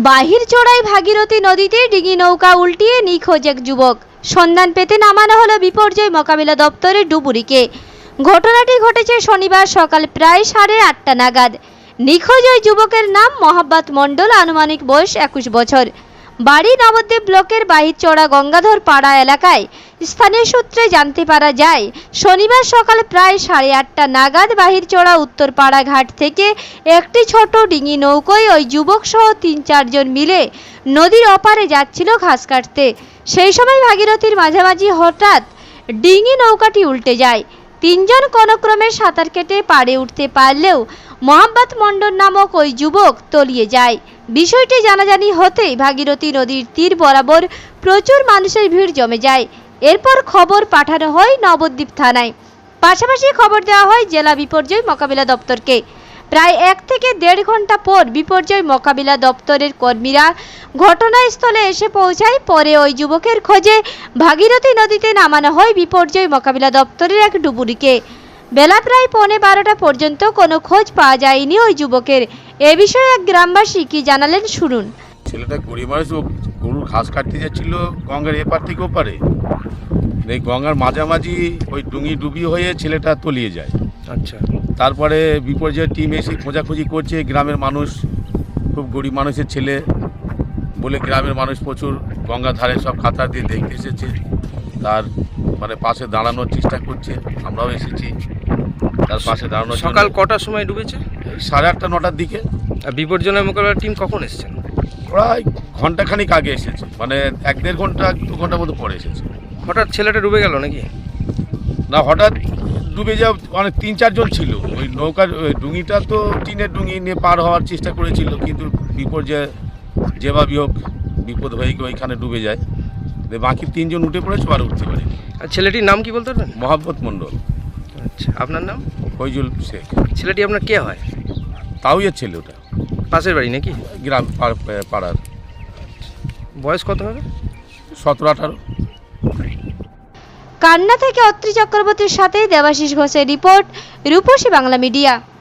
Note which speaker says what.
Speaker 1: বাহিরচড়াই ভাগীরথী নদীতে ডিঙি নৌকা উল্টিয়ে নিখোঁজ এক যুবক। সন্ধান পেতে নামানো হলো বিপর্যয় মোকাবিলা দপ্তরের ডুবুরিকে। ঘটনাটি ঘটেছে শনিবার সকাল প্রায় 8:30 নাগাদ। নিখোঁজ ওই যুবকের নাম মোহাম্মদ মণ্ডল, আনুমানিক বয়স 21 বছর। বাড়ি নবদ্বীপ ব্লকের বাহিরচড়া গঙ্গাধর পাড়া এলাকায়। স্থানীয় সূত্রে জানতে পারা যায়, শনিবার সকাল প্রায় 8:30 নাগাদ বাহিরচড়া উত্তরপাড়া ঘাট থেকে একটি ছোট ডিঙি নৌকোয় ওই যুবক সহ 3-4 জন মিলে নদীর ওপারে যাচ্ছিল ঘাস কাটতে। সেই সময় ভাগীরথীর মাঝামাঝি হঠাৎ ডিঙি নৌকাটি উল্টে যায়। 3 জন কোনোক্রমে সাঁতার কেটে পাড়ে উঠতে পারলেও মোহাম্মদ মণ্ডল নামক ওই যুবক তলিয়ে যায়। বিষয়টি জানাজানি হতেই ভাগীরথী নদীর তীর বরাবর প্রচুর মানুষের ভিড় জমে যায়। এরপর খবর পাঠানো হয় নবদ্বীপ থানায়। পাশাপাশি খবর দেওয়া হয় জেলা বিপর্যয় মোকাবিলা দপ্তরকে। প্রায় 1 থেকে 1.5 ঘন্টা পর বিপর্যয় মোকাবিলা দপ্তরের কর্মীরা ঘটনাস্থলে এসে পৌঁছায়। পরে ওই যুবকের খোঁজে ভাগীরথী নদীতে নামানো হয় বিপর্যয় মোকাবিলা দপ্তরের এক ডুবুরিকে। বেলা প্রায় 11:15 পর্যন্ত কোনো খোঁজ পাওয়া যায়নি ওই যুবকের। এ বিষয়ে এক গ্রামবাসী কি জানালেন শুনুন।
Speaker 2: ছেলেটা গরিব মানুষ, গরুর ঘাস কাটতে যাচ্ছিল গঙ্গার এপার থেকে ওপারে। এই গঙ্গার মাঝামাঝি ওই ডুঙি ডুবি হয়ে ছেলেটা তলিয়ে যায়।
Speaker 3: আচ্ছা,
Speaker 2: তারপরে বিপর্যয় টিম এসে খোঁজাখুঁজি করছে। গ্রামের মানুষ, খুব গরিব মানুষের ছেলে বলে গ্রামের মানুষ প্রচুর গঙ্গার ধারে সব খাতা দিয়ে দেখতে এসেছে। তার পাশে দাঁড়ানোর চেষ্টা করছে। আমরাও এসেছি তার পাশে দাঁড়ানোর।
Speaker 3: সকাল কটার সময় ডুবেছে?
Speaker 2: 8:30-9টার দিকে।
Speaker 3: আর বিপর্যয় মোকাবিলার টিম কখন এসেছেন?
Speaker 2: প্রায় ঘন্টাখানিক আগে এসেছে, 1-1.5 ঘন্টা 2 ঘন্টার মতো পরে এসেছে।
Speaker 3: হঠাৎ ছেলেটা ডুবে গেল নাকি?
Speaker 2: না, হঠাৎ ডুবে যাওয়া 3-4 জন ছিল। ওই নৌকার ডুঙিটা তো টিনের ডুঙি নিয়ে পার হওয়ার চেষ্টা করেছিল, কিন্তু বিপর্যয় যেভাবেই হোক বিপদ হয়ে গিয়ে ওইখানে ডুবে যায়। বাকি 3 জন উঠে পড়েছে, আর উঠতে পারেনি।
Speaker 3: আর ছেলেটির নাম কি বলতে পারবেন?
Speaker 2: মোহাম্মদ মণ্ডল।
Speaker 3: আচ্ছা, আপনার নাম?
Speaker 2: ফৈজুল শেখ।
Speaker 3: ছেলেটি আপনার কে হয়?
Speaker 2: তাও এর ছেলে, ওটা
Speaker 3: পাশের বাড়ি নাকি?
Speaker 2: গ্রাম পাড়ার।
Speaker 3: বয়স কত হবে?
Speaker 2: 17-18।
Speaker 1: কান্না থেকে অত্রি চক্রবর্তীর সাথে দেবাশিস ঘোষের রিপোর্ট, রূপসী বাংলা মিডিয়া।